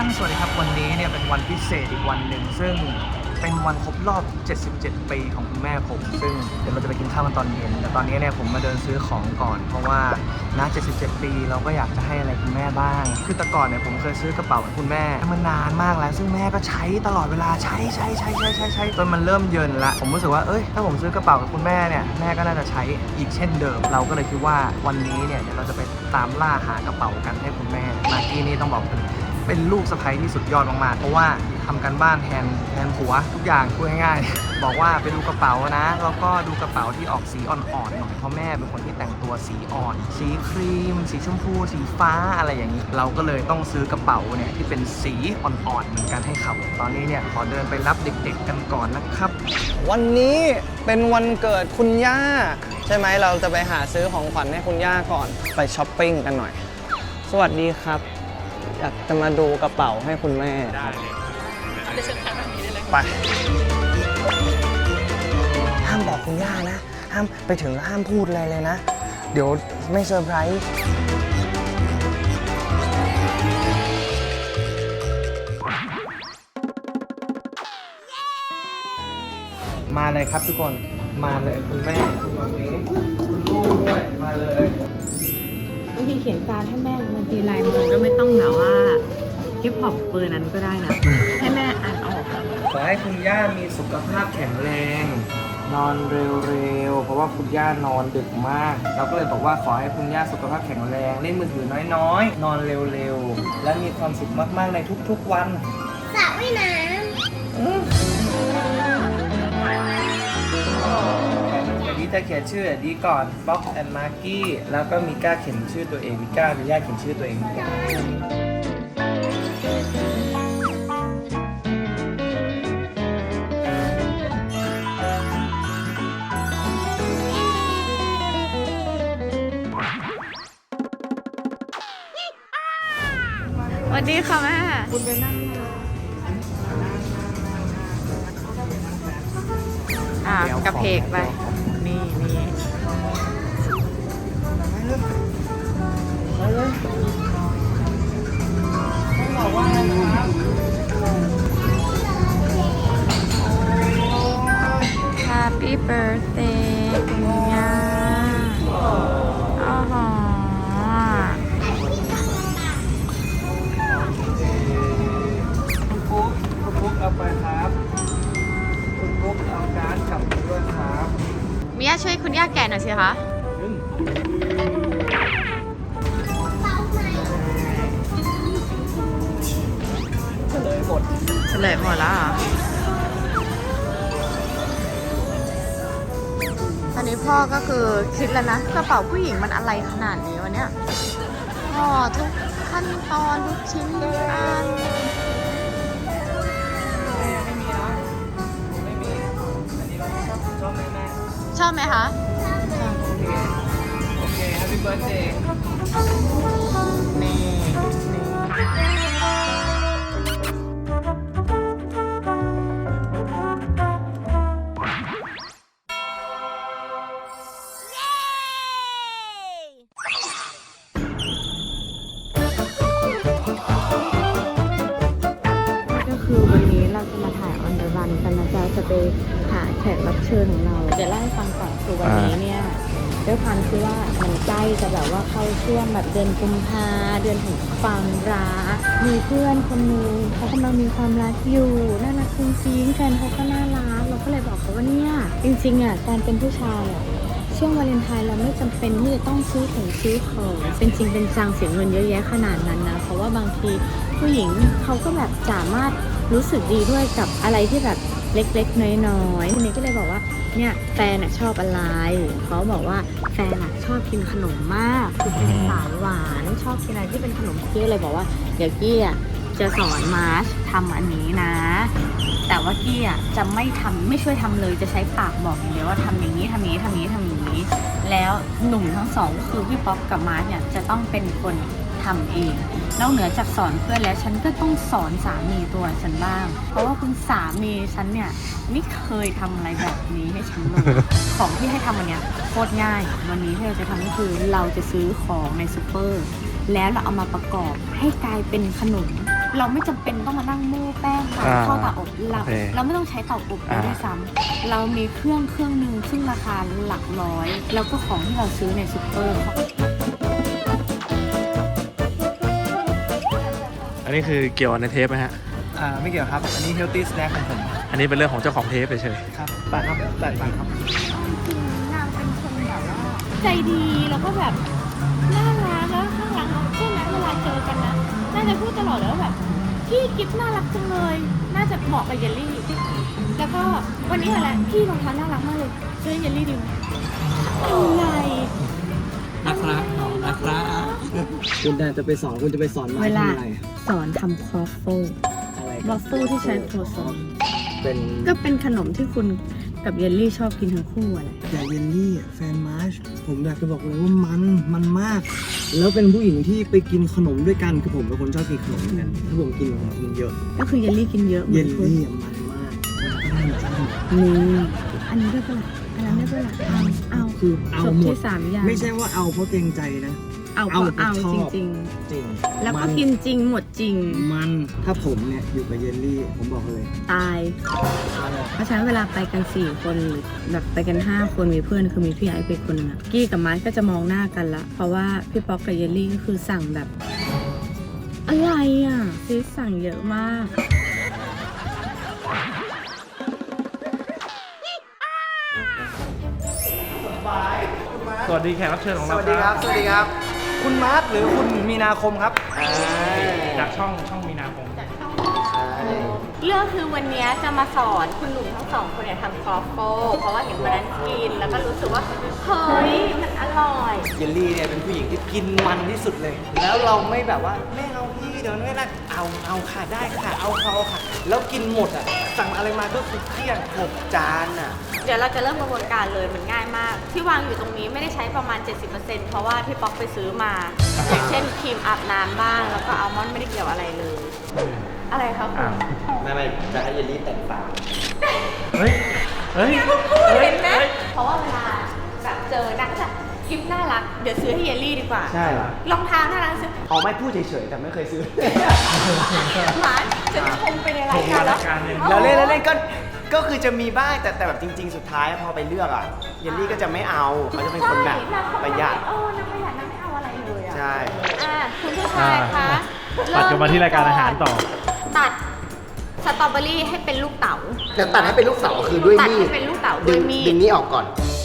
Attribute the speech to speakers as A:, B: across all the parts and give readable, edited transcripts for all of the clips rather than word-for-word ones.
A: สวัสดีครับวันนี้เนี่ยเป็นวันพิเศษอีกวันหนึ่งซึ่งเป็นวันครบรอบ 77 ปีของคุณแม่ผมซึ่งเดี๋ยวเราจะไปกินข้าวกันตอนเย็นแต่ตอนนี้เนี่ยผมมาเดินซื้อของก่อนเพราะว่าณ77 ปีเราก็อยากจะให้อะไรคุณแม่บ้างคือแต่ก่อนเนี่ยผมเคยซื้อกระเป๋าให้คุณแม่มานานมากแล้วซึ่งแม่ก็ใช้ตลอดเวลาใช้จนมันเริ่มเยินละผมรู้สึกว่าถ้าผมซื้อกระเป๋ากับคุณแม่เนี่ยแม่ก็น่าจะใช้อีกเช่นเดิมเราก็เลยคิดว่าวันนี้เนี่ยเดี๋ยวเราจะไปตามล่าหากระเป๋ากันให้คุณแม่มากกี้นี่ต้องบอกเป็นลูกสะใภ้ที่สุดยอดมากๆเพราะว่าทำกันบ้านแทนผัวทุกอย่างพูดง่ายๆ บอกว่าไปดูกระเป๋านะแล้วก็ดูกระเป๋าที่ออกสีอ่อนๆหน่อยเพราะแม่เป็นคนที่แต่งตัวสีอ่อนสีครีมสีชมพูสีฟ้าอะไรอย่างนี้เราก็เลยต้องซื้อกระเป๋าเนี่ยที่เป็นสีอ่อนๆเหมือนกันให้เขาตอนนี้เนี่ยขอเดินไปรับเด็กๆกันก่อนนะครับวันนี้เป็นวันเกิดคุณย่าใช่ไหมเราจะไปหาซื้อของขวัญให้คุณย่าก่อนไปช้อปปิ้งกันหน่อยสวัสดีครับอยากจะมาดูกระเป๋าให้คุณแม่ครับไปห้ามบอกคุณย่านะห้ามไปถึงห้ามพูดอะไรเลยนะเดี๋ยวไม่เซอร์ไพรส์มาเลยครับทุกคนมาเลยคุณแม่คุณมาเองคุณลูกด้วยมาเลย
B: บางทีเขียนการ์ดให้แม่บางทีลายมือก็ไม่ต้องแบบว่าฮิปฮอปเบอร์นั้นก็ได้นะให้แม่อ่านออก
A: ขอให้คุณย่ามีสุขภาพแข็งแรงนอนเร็วๆเพราะว่าคุณย่านอนดึกมากเราก็เลยบอกว่าขอให้คุณย่าสุขภาพแข็งแรงเล่นมือถือน้อยๆนอนเร็วๆและมีความสุขมากๆในทุกๆวัน
C: สระว่ายน้
A: ดีจะเขียนชื่อดีก่อนบ็อกแอนด์มาร์กี้แล้วก็มีก้าเขียนชื่อตัวเองมีก้ามีย่าเขียนชื่อตัวเอง
B: สวัสดีค่ะแม่คุณไปนั่งกระเพกไปนี่
A: ต้องบอกว่าอะไรครับ
B: Happy birthday คุณย่าอ๋อ
A: คุณปุ๊กเอาไปครับคุณปุ๊กเอาการ์ดกลับด้วยครับ
B: มิย่าช่วยคุณย่าแกะหน่อยสิคะ
A: เฉลยหมด
B: แล้วเหรอตอนนี้พ่อก็คือคิดแล้วนะกระเป๋าผู้หญิงมันอะไรขนาดนี้วะเนี่ยทุกขั้นตอนทุกชิ้นทุกอัน
A: ไม่มีเนาะไม่มีอันนี้เราชอบไหมแม่
B: ชอบไหมคะ
A: โอเค Happy Birthday
B: นี่คือวันนี้เราจะมาถ่าย on the run กันนะจ๊ะจะไปหาแขกรับเชิญของเราเดี๋ยวเล่าให้ฟังก่อนคือวันนี้เนี่ยด้วยความที่ว่ามันใกล้จะแบบว่าเข้าช่วงแบบเดือนกุมภาเดือนแห่งความรักมีเพื่อนคนนึงเขากำลังมีความรักอยู่น่ารักจริงๆแฟนเขาก็น่ารักเราก็เลยบอกเขาว่าเนี่ยจริงๆอ่ะการเป็นผู้ชายอ่ะช่วงวาเลนไทน์เราไม่จำเป็นที่จะต้องซื้อของเป็นจริงเป็นจังเสียเงินเยอะแยะขนาดนั้นนะเพราะว่าบางทีผู้หญิงเขาก็แบบสามารถรู้สึกดีด้วยกับอะไรที่แบบเล็กๆน้อยๆทีนี้ก็เลยบอกว่าเนี่ยแฟนชอบอะไรเขาบอกว่าแฟนชอบกินขนมมากคือเป็นสายหวานชอบกินอะไรที่เป็นขนมกี้เลยบอกว่าเดี๋ยวกี้จะสอนมาร์ชทำอันนี้นะแต่ว่ากี้จะไม่ช่วยทำเลยจะใช้ปากบอกอย่างเดียวว่าทำอย่างนี้ทำอย่างนี้ทำอย่างนี้ทำอย่างนี้แล้วหนุ่มทั้งสองก็คือพี่ป๊อปกับมาร์ชเนี่ยจะต้องเป็นคนทำเองนอกเหนือจากสอนเพื่อนแล้วฉันก็ต้องสอนสามีตัวฉันบ้างเพราะว่าคุณสามีฉันเนี่ยไม่เคยทำอะไรแบบนี้ให้ฉันเลยของที่ให้ทำวันนี้โคตรง่ายวันนี้ที่เราจะทำก็คือเราจะซื้อของในซูเปอร์แล้วเราเอามาประกอบให้กลายเป็นขนมเราไม่จำเป็นต้องมานั่งโม่แป้งค่ะเข้าเตาอบเราไม่ต้องใช้เตาอบด้วยซ้ำเรามีเครื่องหนึ่งซึ่งราคาหลักร้อยแล้วก็ของที่เราซื้อในซุปเปอร์
C: อันนี้คือเกี่ยวในเทปไหมฮะ
A: ไม่เกี่ยวครับ อันนี้ healthy snack ของผม
C: อันนี้เป็นเรื่องของเจ้าของเทปเฉย
A: ครับไปครับไปครับ
B: จริงๆนางเป็นคนแบบว่าใจดีแล้วก็แบบน่ารักแล้วข้างหลังใช่ไหมเวลาเจอกันนะน่าจะพูดตลอดเลยว่าแบบพี่กิฟน่ารักจังเลยน่าจะเหมาะกับเยลลี่แล้วก็วันนี้อะไรพี่รองเท้าน่ารักมากเลยซื้อเยลลี่ดีไหมอะไร
A: นะครับคุณจะไปสอนคุณจะไปสอนมา
B: เวลา
A: ทำอะไร
B: สอนทำครอฟเฟิล
A: อะไร
B: วอฟเฟิลที่ใช้โครซอง
A: เป็น
B: ก็เป็นขนมที่คุณกับเยลลี่ชอบกินทั้งคู่อะไร
A: แต่เยลลี่แฟนมาร์ชผมอยากจะบอกเลยว่ามันมาก แล้วเป็นผู้หญิงที่ไปกินขนมด้วยกันคือผมเป็นคนชอบกินขนมเหมือนกันถ้าผมกินผมกินเยอะ
B: ก็คือเยลลี่กินเยอะเหมื
A: เย
B: อน
A: ล
B: คุณ
A: ลี่มันมาก
B: นี่อันนี้ได้ปะล่ะอันนั้นได้ปะล่ะเอา
A: คือเอา
B: จบ
A: หม
B: ที่
A: ด
B: 3 อย่าง
A: ไม่ใช่ว่าเอาเพราะเกรงใจนะ
B: เอาก็เอา
A: ชอบ
B: จริง
A: จริง
B: ๆ แล้วก็กินจริงหมดจริง
A: มันถ้าผมเนี่ยอยู่กับเยลลี่ผมบอกเลย
B: ตาย เพราะฉะนั้นเวลาไปกัน4 คนหรือแบบไปกัน5 คนมีเพื่อนคือมีพี่ไอซ์ไปคนหนึงอะกี้กับมาร์คก็จะมองหน้ากันละเพราะว่าพี่ป๊อกกับเยลลี่ก็คือสั่งแบบอะไรอ่ะซีสั่งเยอะมาก
C: ๆ สวัสดีแขกรับเชิญของ
A: ส
C: เรา
A: วัสดีครับ สวัสดีครับ คุณมาร์คหรือคุณมีนาคมครับ
C: จากช่องมีนาคม
B: เรื่องคือวันนี้จะมาสอนคุณหนุ่มทั้งสองคนเนี่ยทำครอฟโฟเพราะว่าเห็นวันนั้นกินแล้วก็รู้สึกว่าเฮ้ยมันอร่อย
A: เยลลี่เนี่ยเป็นผู้หญิงที่กินมันที่สุดเลย แล้วเราไม่แบบว่าไม่เอาพี่เดี๋ยวไม่ได้เอาค่ะได้ค่ะเอาค่ะ แล้วกินหมดอ่ะ สั่งอะไรมาก็คือเครียด6 จานอ่ะ
B: เดี๋ยวเราจะเริ่มกระบวนการเลยมันง่ายมาก ที่วางอยู่ตรงนี้ไม่ได้ใช้ประมาณ 70%เพราะว่าพี่ป๊อกไปซื้อมา อย่างเช่นครีมอาบน้ำบ้างแล้วก็อัลมอนด์ไม่ได้เกี่ยวอะไรเลย อะไรครับคุณ
A: ไม่จะให้เยลลี่แต่งตาม
C: เฮ้ย
B: เห็นไหมเพราะว่าเวลาแบบเจอนะก็จะคลิปน่ารักเดี๋ยวซื้อให้เยลลี่ดีกว่า
A: ใช่เหรอ
B: รองเท้าน่ารักซื้อ
A: อ๋อไม่พูดเฉยๆแต่ไม่เคยซื้อ
B: หมาจะชมไปในรายการแล้ว
A: แล้วเล่นก็คือจะมีบ้างแต่แบบจริง ๆ สุดท้ายพอไปเลือกอ่ะเยลลี่ก็จะไม่เอาเขาจะเป็นคนแบบประหยัด
B: นางประหยัดนางไม่เอาอะไรเลยอ่ะ
A: ใช่
B: คุณผู้ชายคะ
C: ตัดกันมาที่รายการอาหารต่อ
B: ตัดสตรอเบอรี่ให้เป็นลูกเต๋า
D: เดี๋ยวตัดให้เป็นลูกเสาคือด้วย
B: ตัด
D: มี
B: ให้
D: ด
B: เป็นลูกเต๋าด้วยมี
D: ดึ
B: ด
D: งนี้ออกก่อน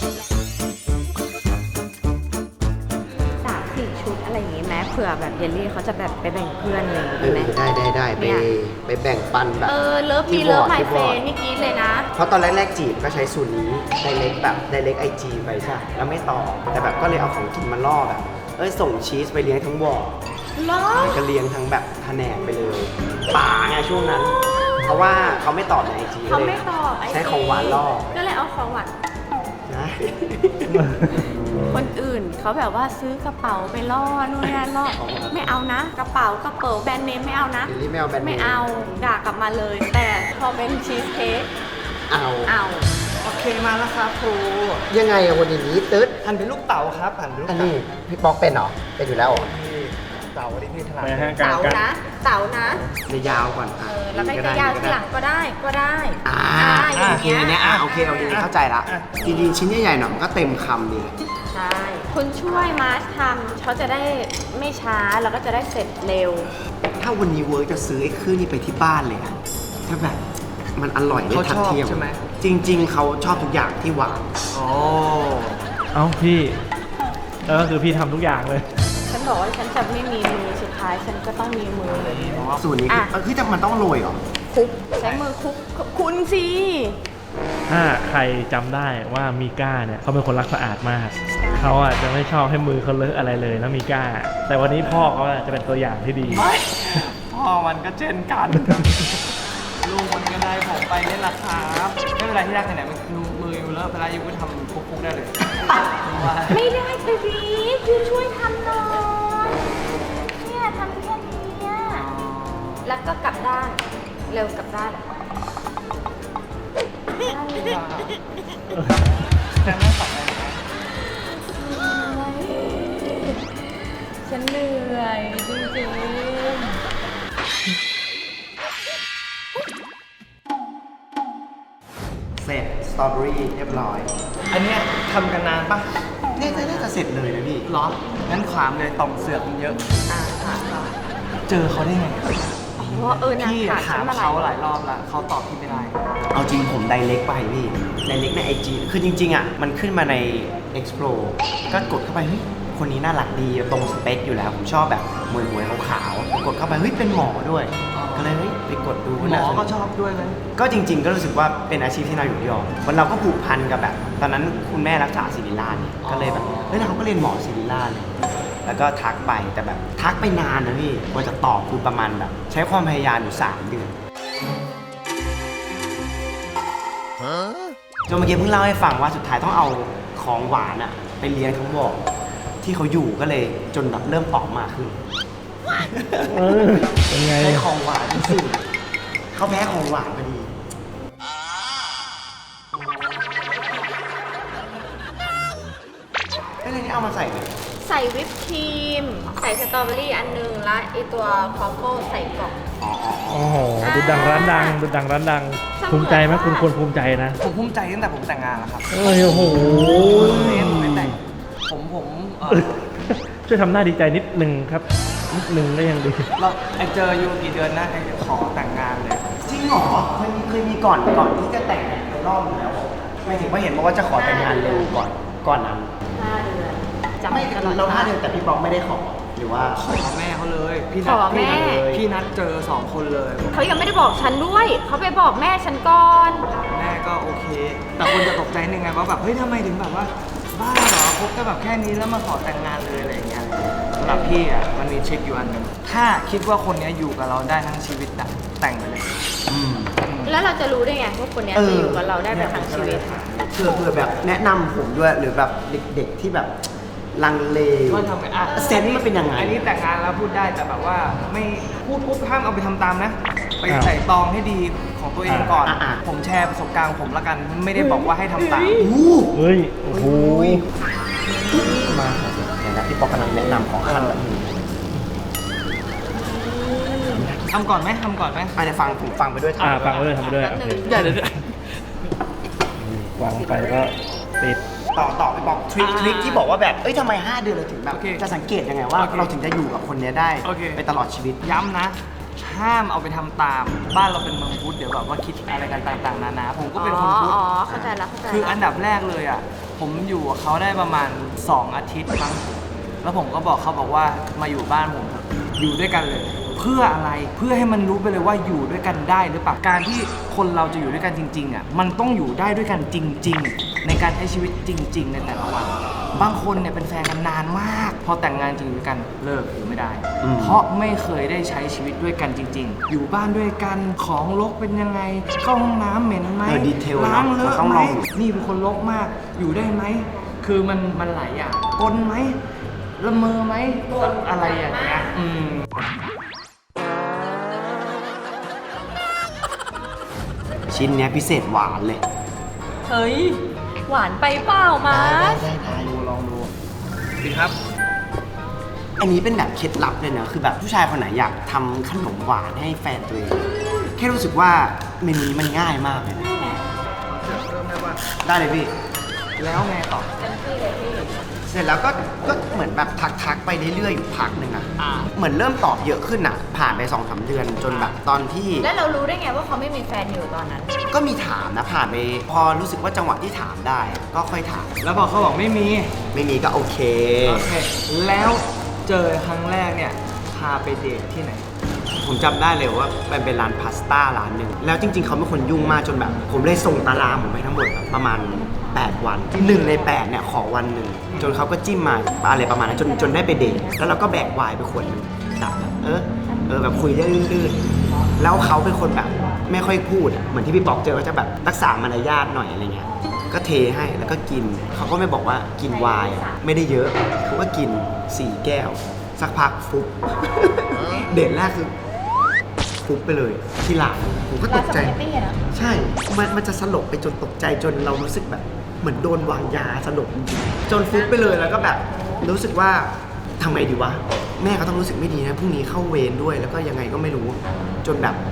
B: 3-4 ชุดอะไรอย่างงี้ไหมเผื่อแบบเยลลี่เขาจะแบบไปแบ่งเพื่อนเลยดีไหม
D: ได้ไปแบ่งปันแบบ
B: เลิฟมี
D: ที่
B: เลิฟ
D: วอร์ด
B: ไม
D: ที่
B: เฟ
D: วอร์ด
B: นี่กรีดเลยนะ
D: เพราะตอนแรกๆจีบก็ใช้สูตรนี้ไดเล็กแบบไดเล็กไอจีไปใช่ปะแล้วไม่ต่อ แต่แบบก็เลยเอาของกินมาล่อแบบส่งชีสไปเลี้ยงทั้งวอร์ด
B: ล้อ
D: แล้วก็เลี้ยงทั้งแบบแผนกไปเลยป่าไงช่วงนั้น เพราะว่าเขาไม่ตอบในไอจี
B: เขาไม่ตอบไอ
D: ใช้ของหวานล่อ
B: ก็เลยเอาของหวาน
D: ใช่
B: คนอื่นเขาแบบว่าซื้อกระเป๋าไปล่อนู่นนี่นั่นล่อไม่เอานะ กระเป๋แบรนด์เนมไม่เอานะ
D: เยลลี่ไม่เอาแบรนด์เนม
B: ไม่เอาด่ากลับมาเลย แต่พอเป็นชีสเค้ก
D: เอา
B: เอา
A: โอเคมาแล้วครับครู
D: ยังไงอะคนอย่างนี้ตึ๊ด
A: หั่นเป็นลูกเต๋าครับหั่นเป็นลูก
D: อัน
A: เต๋า
D: นี้พี่ป๊อกเป็นเหรอเป็นอยู่แล้วเหรอ
A: ที่เต๋าที่พี่ถนัด
C: ไปฮะ
B: เต๋านะเต๋านะ
D: ในยาวก่อนอ่ะ
B: แล้วก็จะยาวทีหลังก็ได้
D: อ่า
B: อย่าง
D: โอเค
B: เงี้ย
D: อันเนี้ยโอเคเข้าใจละจริงๆชิ้นใหญ่ๆหน่อยมันก็เต็มคำดี
B: ใช่คุณช่วยมาร์ชทำเขาจะได้ไม่ช้าแล้วก็จะได้เสร็จเร็ว
D: ถ้าวันนี้เวิร์กจะซื้อไอ้เครื่องนี้ไปที่บ้านเลยอะถ้าแบบมันอร่อยได้
A: เขา
D: ทัด
A: ชอบ
D: เทียม
A: ใช่ไหม
D: จริง ๆเขาชอบทุกอย่างที่หวาน
A: อ๋อ
C: เอ้าพี่แล้วก็คือพี่ทำทุกอย่างเลย
B: ฉันบอกว่าฉันจะไม่มีมือสุดท้ายฉันก็ต้องมีมือเลย
D: สูตรนี้คือ
B: อ่ะ
D: คือแต่มันต้องโรยเหรอ
B: คุกใช้มือคุกคุณสิ
C: ถ้าใครจำได้ว่ามีก้าเนี่ยเขาเป็นคนรักสะอาดมาก เขาอ่ะจะไม่ชอบให้มือเขาเลอะอะไรเลยนะมีก้า แต่วันนี้พ่อเขาจะเป็นตัวอย่างที่ดี
A: พ่อมันก็เช่นกัน ลูกมันก็ได้ผมไปเล่นราคาไม่เป็นไรที่รักไหนๆมันมืออยู่แล้วเวลาอยู่ก็ทำคุกๆได้เลยว่า
B: ไม่ได้ไปบีคือช่วยทำหน่อยเนี่ยทำแค่นี้อะแล้วก็กลับด้านเร็วกลับด้าน
A: แต่ไม่ฝันอะไรนะ
B: ฉันเหนื่อยจริงๆ
D: ตรอเบอรี่เรียบร้อย
A: อันเนี้ยทำกันนานปะ
D: เนี่ยน่าจะเสร็จเลยนะพี่
A: หรอ งั้นขวามเลยต่อมเสือกมันเยอะ
B: ค่ะ
A: เจอเขาได้ไง
B: อ๋อนาง
A: พี่
B: ถาม
A: ถาม
B: ฉัน
A: เขาหลายรอบแล้วเขาตอบพี่ไม่ได้
D: เอาจริงผมไดเรกไปพี่ไดเรกใน IG คือจริงๆอ่ะมันขึ้นมาใน Explore ก็กดเข้าไปเฮ้ยคนนี้น่ารักดีตรงสเปคอยู่แล้วผมชอบแบบมวยๆขาวๆกดเข้าไปเฮ้ยเป็นหมอด้วย
A: อ๋อ
D: ก็เลยเฮ้ยไปกดดู
A: หมอ
D: น่าสน
A: ก็ชอบด้วยเลย
D: ก็จริงๆ ก็รู้สึกว่าเป็นอาชีพที่น่าอยู่ยอมวันเราก็ผูกพันกับแบบ ตอนนั้นคุณแม่รักษาศิริราชเนี่ยก็เลยแบบเฮ้ยเราก็เรียนหมอศิริราชเลยแล้วก็ทักไปแต่แบบทักไปนานนะพี่กว่าจะตอบคือประมาณแบบใช้ความพยายามอยู่3 เดือนจนเมื่อกี้เพิ่งเล่าให้ฟังว่าสุดท้ายต้องเอาของหวานอะไปเลี้ยงทั้งวงที่เขาอยู่ก็เลยจนแบบเริ่มตอบมากขึ้น
C: เป็นไง
D: ใช้ของหวานที่สุดเขาแพ้ของหวานพอดีไอ้เรื่องนี้เอามาใส่เลย
B: ใส่วิปครีม ใส่สตรอเบอรี่อันนึง และไอตัวคอฟเฟิลใส่กล่อง
C: โอ้โหดูดังร้านดังดูดังร้านดัง ภูมิใจไหมคุณควรภูมิใจนะ
A: ผมภูมิใจตั้งแต่ผมแต่งงานแล้วครับ
C: เอ้ยโอ้โห
A: ไม่แต่งผม
C: ช่วยทำหน้าดีใจนิดนึงครับ นิดนึงก็ยังดี
A: เราไอเจออยู่กี่เดือนนะไอขอแต่งงานเลย
D: จริงเหรอเคยมีก่อนที่จะแต่งไปรอบนึงแล้วไม่ถึงว่าเห็นบอกว่าจะขอแต่งงานเร็วก่อนนั้น
B: 5 เดือนจำ
D: ไม่
B: ตลอด
D: เรา5 เดือนแต่พี่ป๊อกไม่ได้ขอหรือว่า
A: ขอแม่เขาเลยพี่
B: ข
A: นัด
B: อแม่
A: พี่นัดเจอ2 คนเลย
B: เขายังไม่ได้บอกฉันด้วย เขาไปบอกแม่ฉันก่อน
A: แม่ก็โอเค แต่คนจะตกใจนึงไงว่าแบบเฮ้ยทำไมถึงแบบว่าบ้าเหรอคบกันแบบแค่นี้แล้วมาขอแต่งงานเลยอะไรอย่างเงี้ยสำหรับพี่อ่ะมันมีทริคอยู่อันหนึงถ้าคิดว่าคนเนี้ยอยู่กับเราได้ทั้งชีวิตอะแต่งไปเลย
B: แล้วเราจะรู้ได้ไงว่าคนเนี้ยจะอยู่กับเราได้ไปทั้งชีวิต
D: เผื่อแบบแนะนำผมด้วยหรือแบบเด็กๆที่แบบลังเล
A: ว่าทำไงอ่ะ
D: เซนส์มันเป็นยังไง
A: อันนี้แต่งงานแล้วพูดได้แต่แบบว่าไม่พูดปุ๊บห้ามเอาไปทำตามนะ ไป
C: อ้าว
A: ใส่ตองให้ดีของตัวเองก่อน
D: อ่ะ
A: ผมแชร์ประสบการณ์ของผมละกัน ไม่ได้บอกว่าให้ทำตาม
D: อู้
C: เฮ้ย โอ้โห
D: มาเดี๋ยวนะพี่ป๊อกกำลังแนะนำของขั้นแบบนี้
A: ทำก่อนไหมทำก่อนไหม
D: อาจจะฟังผมฟังไปด้วย
C: ฟังไปด้วยทำไปด้วย โอเค
A: อย่าเดี๋ยว
C: วางไปก็ติด
D: ต่อไปบอกทริคที่บอกว่าแบบเอ้ยทำไม5 เดือนเราถึงแบบ
A: โอเค
D: จะสังเกตยังไงว่า
A: โอเค
D: เราถึงจะอยู่กับคนเนี้ยได้
A: โอเค
D: ไปตลอดชีวิต
A: ย้ำนะ ห้ามเอาไปทำตาม บ้านเราเป็นเมืองพุทธเดี๋ยวแบบว่าคิดอะไรกันต่างๆนานาผมก็เป็นคนพุทธ
B: เข้าใจแล้วเข้าใจ
A: คืออันดับแรกเลยอ่ะ ผมอยู่กับเขาได้ประมาณ 2 อาทิตย์มั้งแล้วผมก็บอกเขาบอกว่ามาอยู่บ้านผมเถอะอยู่ด้วยกันเลย เพื่ออะไรเพื่อให้มันรู้ไปเลยว่าอยู่ด้วยกันได้หรือเปล่าการที่คนเราจะอยู่ด้วยกันจริงๆอ่ะมันต้องอยู่ได้ด้วยกันจริง ๆ ในการใช้ชีวิตจริง ๆ ในแต่ละวัน บางคนเนี่ยเป็นแฟนกันนานมาก พอแต่งงานจริงอยู่ด้วยกันเลิกอยู่ไม่ได้ เพราะไม่เคยได้ใช้ชีวิตด้วยกันจริง ๆ อยู่บ้านด้วยกันของรกเป็นยังไงเข้าห้องน้ำเหม็นไหม
D: ดีเทล
A: ล้างเล
D: เรา
A: อะ
D: ต้อง
A: ไห
D: ล
A: ม
D: อง
A: นี่เป็นคนรกมาก อยู่ได้ไหม คือมันหลายอย่างกลนไหม ละเมอไหม อะไรอย่างเงี้ย
D: ชิ้นเนี้ยพิเศษหวานเลย
B: เฮ้ย หวานไปเปล่ามา
D: ได้
A: ดูลองดูดีครับ
D: อันนี้เป็นแบบเคล็ดลับเลยนะคือแบบผู้ชายคนไหนอยากทำขนมหวานให้แฟนตัวเองแค่รู้สึกว่าเมนูนี้มันง่ายมากเลยนะ
A: เริ่มได้ว่า
D: ได้เลยพี่
A: แล้วไงต่อ
D: เสร็จแล้วก็เหมือนแบบทักไปเรื่อยๆอยู่พักหนึ่งอะเหมือนเริ่มตอบเยอะขึ้นอะผ่านไป2-3 เดือนจนแบบตอนที่
B: แล้วเรารู้ได้ไงว่าเขาไม่มีแฟนอยู่ตอนนั้น
D: ก็มีถามนะผ่านไปพอรู้สึกว่าจังหวะที่ถามได้อะก็ค่อยถาม
A: แล้วพอเขาบอกไม่มี
D: ไม่มีก็โอเค
A: โอเค แล้วเจอครั้งแรกเนี่ย พาไปเดทที่ไหน
D: ผมจำได้เลยว่ามันเป็นร้านพาสต้าร้านหนึ่งแล้วจริงๆเขาเป็นคนยุ่งมากจนแบบ ผมเลยส่งตารางผมไปทั้งหมดประมาณ 8 วัน1 ใน 8เนี่ยขอวันหนึ่งจนเขาก็จิ้มมาอะไรประมาณนั้นจนได้ไปเดทแล้วเราก็แบกไวน์ไปขวดหนึงแบบแบบคุยได้ลื่นๆแล้วเขาเป็นคนแบบไม่ค่อยพูดอะเหมือนที่พี่ป๊อกเจอก็จะแบบรักษามารยาทหน่อยอะไรเงี้ยก็เทให้แล้วก็กินเขาก็ไม่บอกว่ากินไวน์อะไม่ได้เยอะเขาก็กิน4 แก้วสักพักฟุบ เดทแรกคือฟุบไปเลยที่หลังผมก็ตกใจ
B: ร้านสปาเกตตี้อะนะ
D: ใช่ มันจะสลบไปจนตกใจจนเรารู้สึกแบบเหมือนโดนวางยาสลบจริงๆจนฟุบไปเลยแล้วก็แบบรู้สึกว่าทำไงดีวะ แม่ก็ต้องรู้สึกไม่ดีนะพรุ่งนี้เข้าเวรด้วยแล้วก็ยังไงก็ไม่รู้ จนแบบ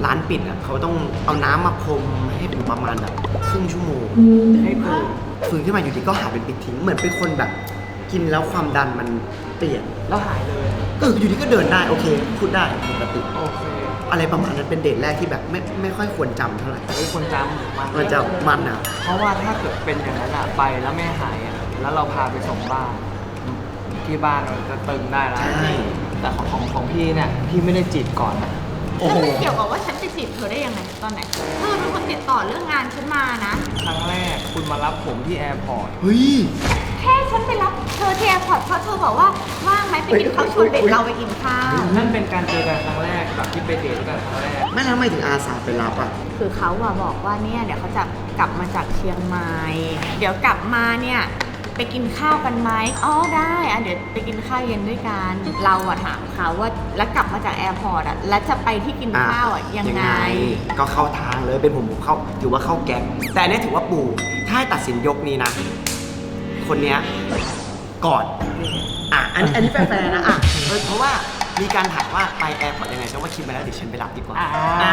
D: ร้านปิดอ่ะเขาต้องเอาน้ำมาพรมให้เป็นประมาณแบบครึ่งชั่วโมงให้ฟื้นขึ้นมาอยู่ดีก็หายเป็นปิดทิ้งเหมือนเป็นคนแบบกินแล้วความดันมันเปลี่ยน
A: แล้วหายเลย
D: ก็อยู่ดีก็เดินได้โอเคพูดได้ปกติ
A: โอเค
D: อะไรประมาณนั้นเป็นเดทแรกที่แบบไม่ค่อยควรจำเท่าไหร่
A: ไม่ควรจำ
D: มันจะมันนะ
A: เพราะว่าถ้าเกิดเป็นอย่างนั้นอะไปแล้วไม่หายอะแล้วเราพาไปส่งบ้านที่บ้านเราจะตึงได้แล้ว
D: ใช่
A: แต่ของพี่เนี่ยพี่ไม่ได้จีบก่อนนะ
B: แล้วมันเกี่ยวกับว่าฉันไปจีบเธอได้ยังไงตอนไหนเธอเป็นคนติดต่อเรื่องงานฉันมานะ
A: ครั้งแรกคุณมารับผมที่แอร์พอร์ต
D: เฮ้ย
B: แค่ฉันไปรับเธอที่แอร์พอร์ตเพราะเธอบอกว่าว่างไหมไปกินข้าวชวนเด็กเราไปกินข้าว
A: นั่นเป็นการเจอกันครั้งแรกแบบที่ไปเดทด้วยกันครั้งแรก
D: ไม่แล้วทำไมถึงอาสาไปรับอ่ะ
B: คือเขาอะบอกว่าเนี่ยเดี๋ยวเขาจะกลับมาจากเชียงใหม่ เดี๋ยวกลับมาเนี่ยไปกินข้าวกันไหมอ๋อได้อะเดี๋ยวไปกินข้าวเย็นด้วยกันเราอะถามเขาว่าแล้วกลับมาจากแอร์พอร์ตอะแล้วจะไปที่กินข้าวอะยังไง
D: ก็เข้าทางเลยเป็นผมเข้าถือว่าเข้าแก๊งแต่อันนี้ถือว่าปูถ้าให้ตัดสินยกนี้นะ คนเนี้ยก่อนอันนี้แฟร์ๆนะเพราะว่ามีการถามว่าไปแอร์พอร์ตยังไงฉันว่าคิดมาแล้วเดี๋ยวฉันไปรับดีกว่า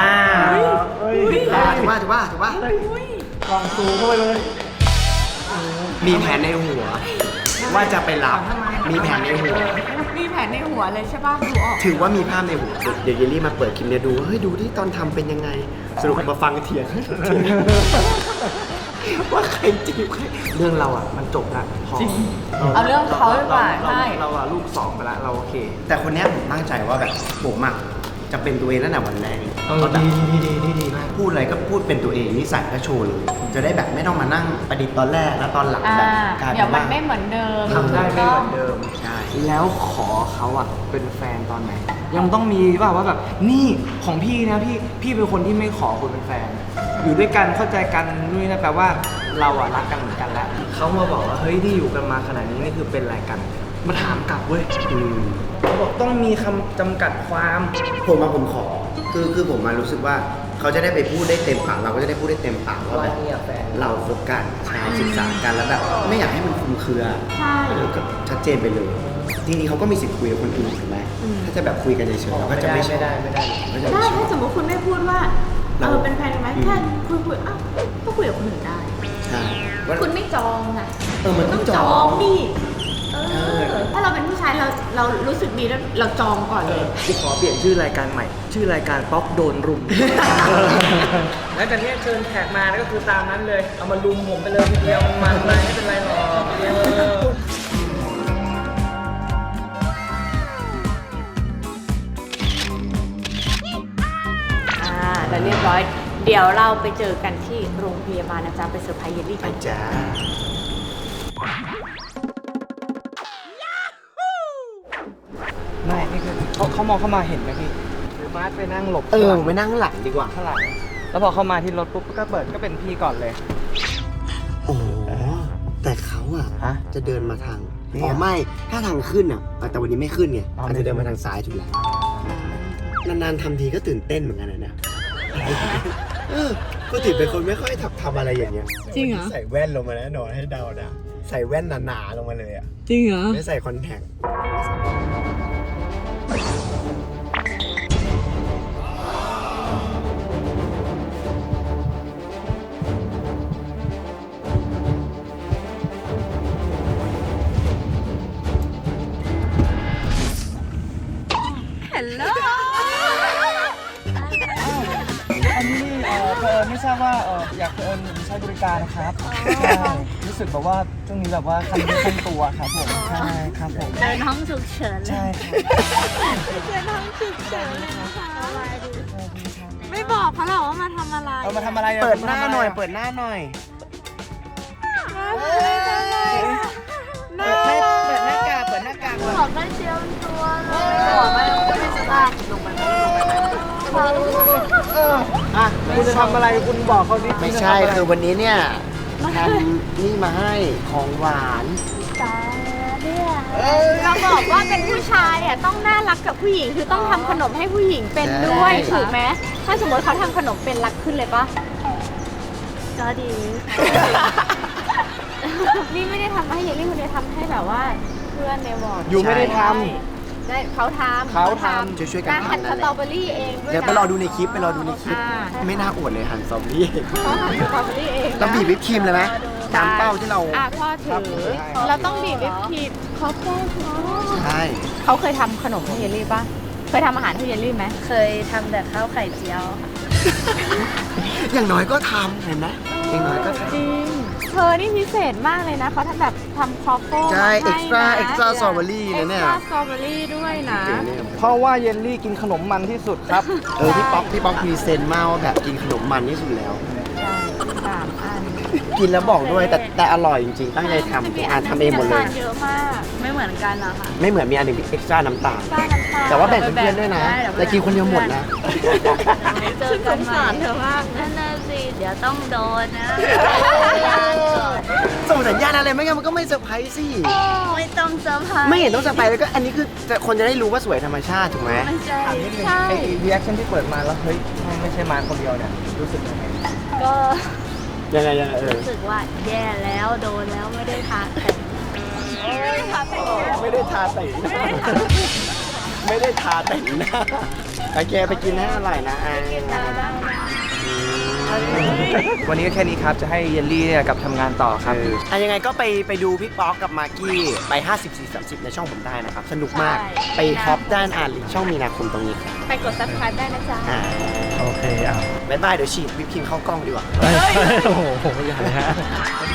D: ถูกป่ะ
C: กล่องซูเข้าไปเลย
D: มีแผนในหัว ว่าจะไปรับมีแผนในหัว
B: มีแผนในหัวเลยใช่ป่ะดูออก
D: ถือว่ามีภาพในหัวเดี๋ยวเยลลี่มาเปิดคลิปเนี่ยดูเฮ้ยดูที่ตอนทำเป็นยังไงสรุปมาฟังเถียงว่าใครจีบใครเรื่องเราอ่ะมันจบละพอ
B: เอาเรื่องเขาดีกว่าใช่
A: เราอะลูก2ไปละเราโอเค
D: แต่คนเนี้ยผมตั้งใจว่าแบบผมอ่ะจะเป็นตัวเองตั้งแต่วันแรก
A: ดีมาก
D: พูดอะไรก็พูดเป็นตัวเองนิสัยก็โชว์เลยจะได้แบบไม่ต้องมานั่งประดิษฐ์ตอนแรกแล้วตอนหลังแบบกลาย
B: เดี๋
D: เป็
B: ยวน มัน
D: ว่า
B: ไม่เหมือนเดิม
A: ทำได้ไม่เหมือนเดิม
D: ใช่
A: แล้วขอเขาอะเป็นแฟนตอนไหน ยังต้องมีว่าแบบนี่ของพี่นะพี่เป็นคนที่ไม่ขอคุณเป็นแฟน อยู่ด้วยกันเข้าใจกันนู่นนะแปลว่าเราอะรักกันเหมือนกันแล้วเขามาบอกว่าเฮ้ยที่อยู่กันมาขนาดนี้นี่คือเป็นอะไรกัน มาถามกลับเว้ยเขาบอกต้องมีคำจำกัดความ
D: ผมขอคือผมมารู้สึกว่าเขาจะได้ไปพูดได้เต็มปากเราก็จะได้พูดได้เต็มปากว่าแบบ
A: เนี่ยแฟน
D: เราคบกันใช่ศึกษากันแล้วแบบไม่อยากให้มันคลุมเครือ
B: ใช่
D: ก็ชัดเจนไปเลยทีนี้เขาก็มีสิทธิ์คุยกับคนอื่นถูกไหมถ้าจะแบบคุยกันเฉยๆเราก็จะไม่ชอบ
A: ไม่ได้
D: ก็จะ
B: ได้
D: ไม่ชอ
B: ถ้า
D: บ
B: สมมติคุณไม่พูดว่าเป็นแฟนกันไหมแค่คุยอ้าวก็คุยกับคนอื่นได้
D: ใช่ว่า
B: คุณไม่จองนะ
D: มันต้องจอง
B: ดิถ้าเราเป็นผู้ชายเรารู้สึกดีแล้วเราจองก่อนเลย
A: กูขอเปลี่ยนชื่อรายการใหม่ ชื่อรายการป๊อกโดนรุม แล้วจากนี้เชิญแขกมาแล้วก็คือตามนั้นเลย เอามารุมผมไปเลยทีเดียวมันไปไม่เป็นไรหรอก
B: แล้วเรียบร้อย เดี๋ยวเราไปเจอกันที่โรงพยาบาลนะจ๊ะไปเซอร์ไพรส์เยลลี่
D: ไป
B: กัน
D: จ้า
A: ไม่นี่คือเขามองเข้ามาเห็นไหมพี่หรือมาร์ทไปนั่งหลบ
D: ไปนั่งหลังดีกว่า
A: ข้างหลังแล้วพอเข้ามาที่รถปุ๊บก็เปิดก็เป็นพี่ก่อนเลย
D: โอ้แต่เขาอะ
A: ฮะ
D: จะเดินมาทาง
A: นี่
D: อ๋อ
A: เหรอ
D: ไม่ถ้าทางขึ้นอะแต่วันนี้ไม่ขึ้นไง
A: อ๋อ
D: อาจจะเดินมาทางซ้ายถูกแล้วนานๆทำทีก็ตื่นเต้นเหมือนกันนะเนี่ยก็ถือเป็นคนไม่ค่อยทำอะไรอย่างเงี้ย
B: จริงเหรอ
D: ใส่แว่นลงมาแน่นอนให้เดานะใส่แว่นหนาๆลงมาเลยอะ
B: จริงเหรอ
D: ไม่ใส่คอนแทค
B: ฮัลโหล
A: อันนี้เอิญไม่ทราบว่าอยากเอิญใช้บริการนะครับใช่รู้สึกแบบว่าช่วงนี้แบบว่าคันตัวครับผมใช่ครับผม
B: เดินห้องฉุกเฉินเลย
A: ใช่ครับ
B: เดินห้องฉุกเฉินเลยนะคะไม่บอกเขาหรอกว่ามาทำอะไร
A: เอามาทำอะไรอะ
D: เปิดหน้าหน่อย เปิดหน้าหน่อย
B: เปิดหน้ากาก
D: เปิดหน้ากาก
B: ขอได้เชียวตัวเลยบอกไม่จะลากลงไป
A: อ่ะคุณจะทำอะไรคุณบอกเขาดิ
D: ไม่ใช่คือวันนี้เนี่ยทำนี่มาให้ของหวาน
B: ตาเนี่ยเราบอกว่าเป็นผู้ชายอ่ะต้องน่ารักกับผู้หญิงคือต้องทำขนมให้ผู้หญิงเป็นด้วยถูกไหมถ้าสมมติเขาทำขนมเป็นรักขึ้นเลยปะก็ดี นี่ไม่ได้ทำให้เยลลี่คนเดียวทำให้แบบว่าเพื่อนในวอร์ด
A: อยู่ไม่ได้ท
B: ได้เขาทำ
A: เขาทำ
D: ช่วยๆกัน
B: การหั่น
D: ทำนั่นแหละ
B: สตรอเบอรี่เองด้วยนะ
D: เดี๋ยวไปรอดูในคลิปไปรอดูในคลิป ไม่น่าอวดเลยหันซอมบี้
B: เขาหั่นสตรอเบอรี่เองนะ
D: เราบีบวิปครีมเลยไหมตามเป้าที่เรา
B: พ่อถือ เราต้องบีบวิปครีมเขาพ่อ
D: ใช่
B: เขาเคยทำขนมให้เยลลี่ป่ะ เคยทำอาหารให้เยลลี่ไหม
E: เคยทำแต่ข้าวไข่เจียวค่ะ
D: อย่างน้อยก็ทำเห็นไหมอย่างน้อยก็ท
B: จริง เธอนี่พิเศษมากเลยนะ เขาทำแบบทำครอฟเฟิล
D: ำใช่
B: มาให้นะ
D: extra strawberry นะเนี่ย
B: extra strawberry ด้วยนะ
A: เพราะว่าเยลลี่กินขนมมันที่สุดครับ
D: พี่ป๊อกพรีเซนต์มากว่าแบบกินขนมมันที่สุดแล้ว
B: ใช่3 อัน
D: กินแล้วบอกด้วยแต่อร่อยจริงๆ ตั้งใจทำทุกอันทำเองหมดเลย
B: น้ำตาลเยอะมาก
E: ไม่เหมือนกันเหรอคะ
D: ไม่เหมือนมีอันหนึ่งเอ็กซ์ตร้าน้ำตาล
B: ป้าน้ำตาล
D: แต่ว่าแบ่งเพื่อนๆด้วยนะ แต่กินคนเดียวหมดนะ
E: เจอกัน
B: สงสารเธอมาก
E: นั่นน่ะสิ เดี๋ยวต้องโดนนะ
D: ส่งสัญญาณอะไรไม่งั้นมันก็ไม่เซอร์ไพรส์สิ
E: ไม่ต้องเซอร์ไพรส์
D: ไม่เห็นต้องเซอร์ไพรส์แล้วก็อันนี้คือคนจะได้รู้ว่าสวยธรรมชาติถูกไหม
E: ไม่ใช่
A: ถามนิดนึง
B: ใช่
A: ไอ้รีแอคชั่นที่เปิดมาแล้วเฮ้ยไม่ใช่มาคนเดียวเนี่ยรู้สึกยังไง
E: ก็
D: ยังไง
E: รู้สึกว่าแย่แล้วโดนแล้วไม่ได้ทาแต่ง
D: ไม่ได้ทาแต่งหน้าไม่ได้ทาแต่งหน้าโอเคไปกินให้อร่อยนะไอ้
A: วันนี้ก็แค่นี้ครับ จะให้เยลลี่เนี่ยกลับทำงานต่อครับ
D: ยังไงก็ไปดูพี่ป๊อกกับมากกี้ไป 54-30 ในช่องผมได้นะครับ สนุกมาก ไปฮอปด้านอ่านลิงก์ช่องมีนาคมตรงนี้ครับ
B: ไปกด subscribe ได้นะจ๊ะ
C: โอเคอ้าว
D: บ๊ายบายเดี๋ยวฉีดวิปครีมเข้ากล้องดีกว่า
C: โอ้โหอย่าเลยฮะ